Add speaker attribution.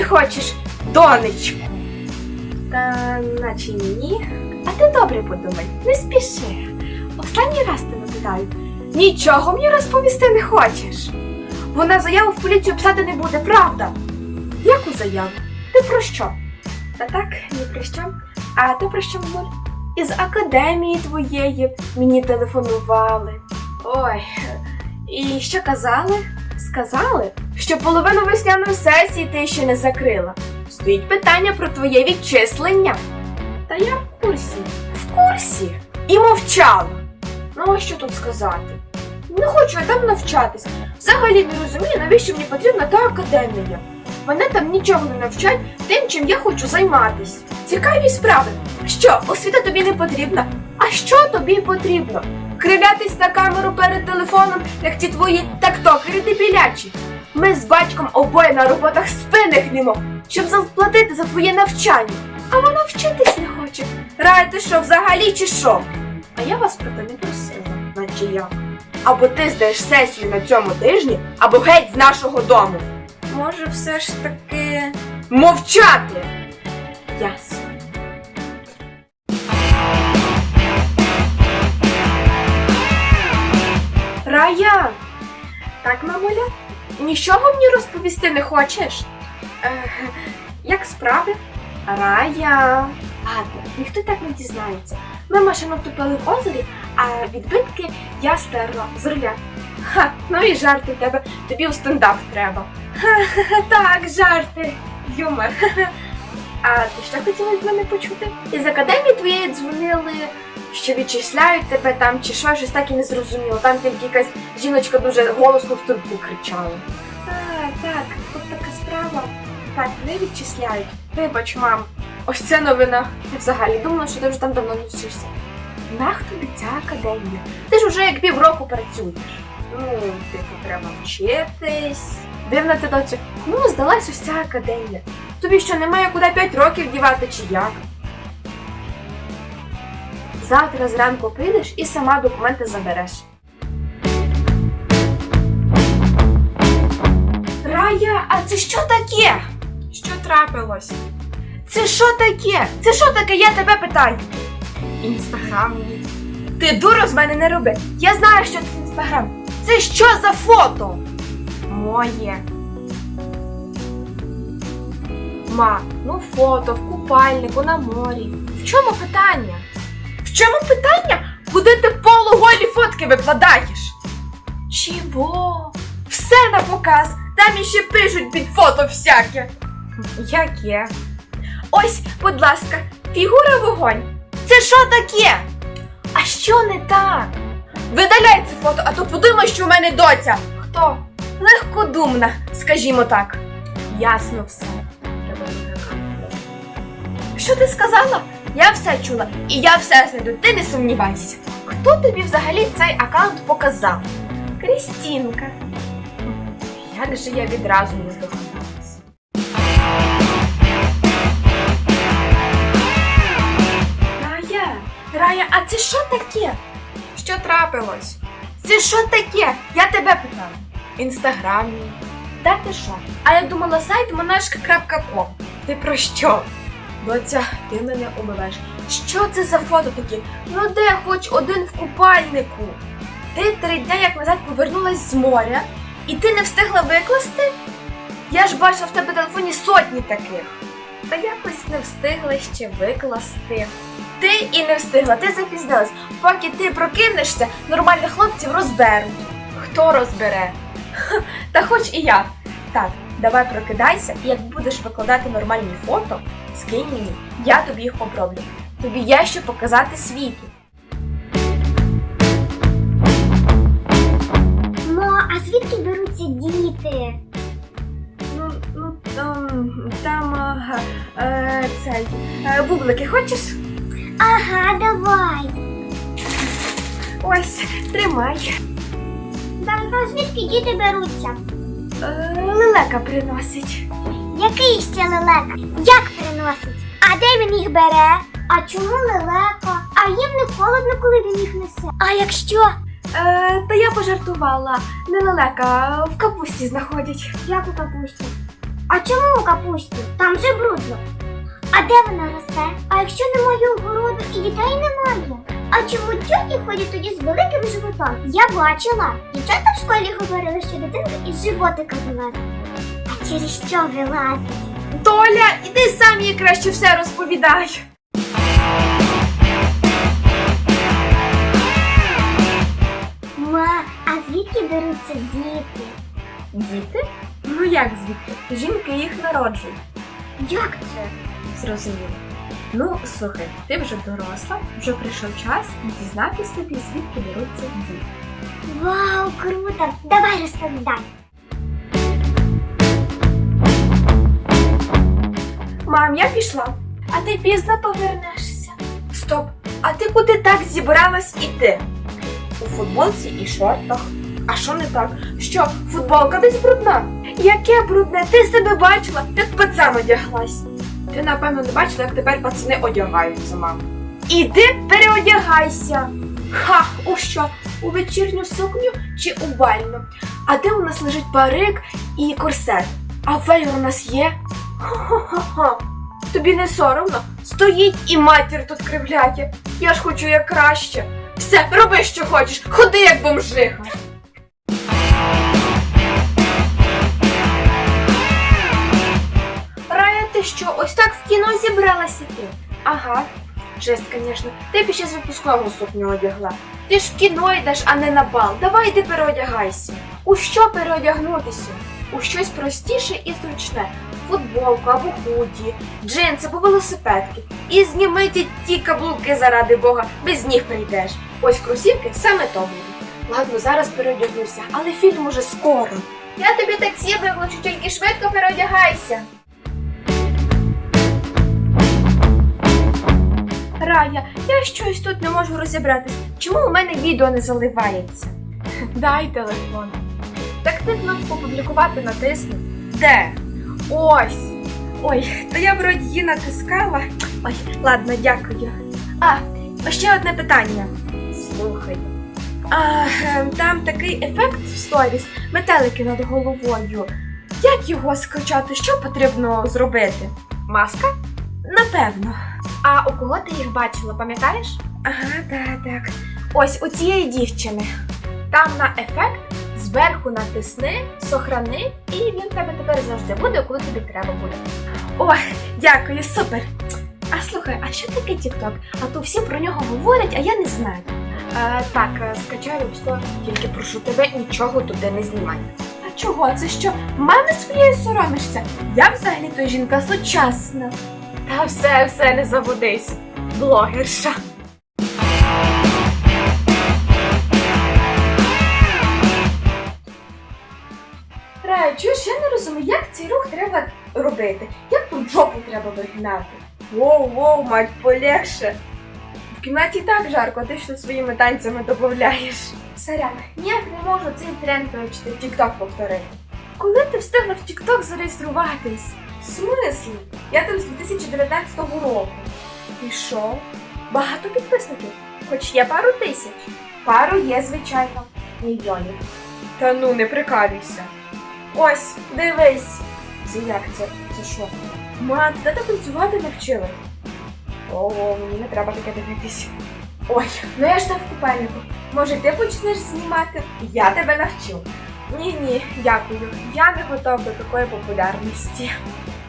Speaker 1: хочеш донечку? Та наче ні. А ти добре подумай, не спіши. Останній раз тебе питаю. Нічого мені розповісти не хочеш? Вона заяву в поліцію писати не буде, правда? Яку заяву? Ти про що? Та так, ні про що. А ти про що, мамуль? Із академії твоєї мені телефонували. Ой, і що казали? Сказали, що половину весняної сесії ти ще не закрила. Стоїть питання про твоє відчислення. Та я в курсі. В курсі? І мовчала. Ну, а що тут сказати? Не хочу я там навчатись. Взагалі не розумію, навіщо мені потрібна та академія. Мене там нічого не навчать тим, чим я хочу займатись. Цікаві справи. Що, освіта тобі не потрібна? А що тобі потрібно? Кривлятись на камеру перед телефоном, як ті твої тіктокери дебілячі. Ми з батьком обоє на роботах спини гнемо, щоб заплатити за твоє навчання. А вона вчитись не хоче. Рая, ти що, взагалі чи що? А я вас про те не просила, наче я. Або ти здаєш сесію на цьому тижні, або геть з нашого дому. Може, все ж таки... Мовчати! Ясно. Рая! Так, мамуля? Нічого мені розповісти не хочеш? Як справи? Рая! Ладно, ніхто так не дізнається. Ми машину втопили в озері, а відбитки я стерла з руля. Ха, ну і жарти в тебе, тобі у стендап треба. Ха-ха-ха, так, жарти, юмор. А ти що хотіла від мене почути? Із академії твоєї дзвонили, що відчисляють тебе там чи що, щось так і не зрозуміло. Там тільки якась жіночка дуже голосно в трубку кричала. Так, тут така справа. Так, не відчисляють. Вибач, мам, ось це новина. Я взагалі думала, що ти вже там давно не вчишся. Нах тобі ця академія? Ти ж уже як півроку працюєш. Ну, типу, треба вчитись. Дивна ти, доцю. Ну, здалась ось ця академія. Тобі що, немає куди 5 років дівати чи як? Завтра зранку прийдеш і сама документи забереш. Рая, а це що таке? Що трапилось? Це що таке? Це що таке, я тебе питаю? Інстаграм. Ти дуру з мене не роби. Я знаю, що це інстаграм. Це що за фото? Моє. Ма, ну фото в купальнику на морі. В чому питання? В чому питання? Куди ти полуголі фотки викладаєш? Чого? Все на показ. Там іще пишуть під фото всяке. Яке? Ось, будь ласка, фігура вогонь. Це що таке? А що не так? Видаляй це фото, а то подумай, що в мене доця. Хто? Легкодумна, скажімо так. Ясно все. Що ти сказала? Я все чула і я все знайду, ти не сумнівайся. Хто тобі взагалі цей аккаунт показав? Крістінка. Як же я відразу не здогадалась. Рая, а це що таке? Що трапилось? Це що таке? Я тебе питала. Інстаграмі. Та ти що? А я думала сайт monashka.com. Ти про що? Доця, ти мене умиваєш. Що це за фото такі? Ну де хоч один в купальнику? Ти 3 дні як назад повернулась з моря і ти не встигла викласти? Я ж бачила в тебе в телефоні сотні таких. Та якось не встигла ще викласти. Ти і не встигла, ти запізнилась. Поки ти прокинешся, нормальних хлопців розберуть. Хто розбере? Та хоч і я. Так, давай прокидайся, і як будеш викладати нормальні фото, скинь мені, я тобі їх оброблю. Тобі є що показати світу.
Speaker 2: А звідки беруться діти?
Speaker 1: Бублики хочеш?
Speaker 2: Ага, давай.
Speaker 1: Ось, тримай.
Speaker 2: А звідки діти беруться?
Speaker 1: Лелека приносить.
Speaker 2: Який ще лелека? Як приносить? А де він їх бере? А чому лелека? А їм не холодно, коли він їх несе? А якщо?
Speaker 1: Та я пожартувала. Не лелека, в капусті знаходять.
Speaker 2: Як у капусті? А чому у капусті? Там же брудно. А де вона росте? А якщо немає огороду і дітей немає? А чому тьоті ходять тоді з великим животом? Я бачила. Дівчата в школі говорили, що дитинка із животика вилазить. А через що вилазить?
Speaker 1: Толя, іди сам їй краще все розповідай.
Speaker 2: Ма, а звідки беруться діти?
Speaker 1: Діти? Ну як звідки? Жінки їх народжують.
Speaker 2: Як це?
Speaker 1: Зрозуміло. Ну, слухай, ти вже доросла, вже прийшов час дізнатись тобі, звідки беруться діти.
Speaker 2: Вау, круто! Давай розповідай.
Speaker 1: Мам, я пішла. А ти пізно повернешся. Стоп, а ти куди так зібралась іти? У футболці і шортах. А що не так? Що, футболка десь брудна? Яке брудне? Ти себе бачила, як пацан одяглась. Ти, напевно, не бачила, як тепер пацани одягаються, мам. Іди переодягайся. Ха, у що? У вечірню сукню чи у бальну? А де у нас лежить парик і корсет? А веєр у нас є? Ха-ха-ха. Тобі не соромно? Стоїть і матір тут кривляє. Я ж хочу як краще. Все, роби, що хочеш, ходи як бомжиха. Рая, ти що, ось так в кіно зібралася ти? Ага. Жесть, звісно. Ти б ще з випускного сукню одягла. Ти ж в кіно йдеш, а не на бал. Давай йди переодягайся. У що переодягнутися? У щось простіше і зручне. Футболку або худі, джинси або велосипедки. І зніми ті каблуки заради Бога, без ніг прийдеш. Ось кросівки саме то буде. Ладно, зараз переодягнуся, але фільм уже скоро. Я тобі таксі викличу, тільки швидко переодягайся. Рая, я щось тут не можу розібратись. Чому у мене відео не заливається? Дай телефон. Так ти кнопку «Опублікувати» натисни. Де? Ось. Ой, то я вроді її натискала. Ой, ладно, дякую. Ще одне питання. Слухай. Там такий ефект в сторіс, метелики над головою. Як його скачати? Що потрібно зробити? Маска? Напевно. А у кого ти їх бачила, пам'ятаєш? Ага, так. Ось у цієї дівчини. Там на ефект зверху натисни, сохрани, і він в тебе тепер завжди буде, коли тобі треба буде. О, дякую, супер! А слухай, а що таке TikTok? А то всі про нього говорять, а я не знаю. Так, скачай App Store, тільки прошу тебе, нічого туди не знімай. А чого? Це що, мами своєї соромишся? Я взагалі-то жінка сучасна. Та все, не заводись, блогерша. Рая, чуєш, я не розумію, як цей рух треба робити? Як тут жопу треба вигинати? Воу, мать, полегше. В кімнаті так жарко, а ти що своїми танцями додаєш. Сорян, ніяк не можу цей тренд вивчити, в TikTok повторити. Коли ти встигла в TikTok зареєструватись? В смислі? Я там з 2019 року. І що? Багато підписників? Хоч є пару тисяч. Пару є, звичайно, мільйонів. Та ну, не прикалюйся. Ось, дивись. Це як це? Це що? Ма, ти тебе танцювати навчили? Ого, мені не треба таке дивитись. Ой, ну я ж там в купальнику. Може, ти почнеш знімати? Я тебе навчу. Ні, дякую. Я не готова до такої популярності.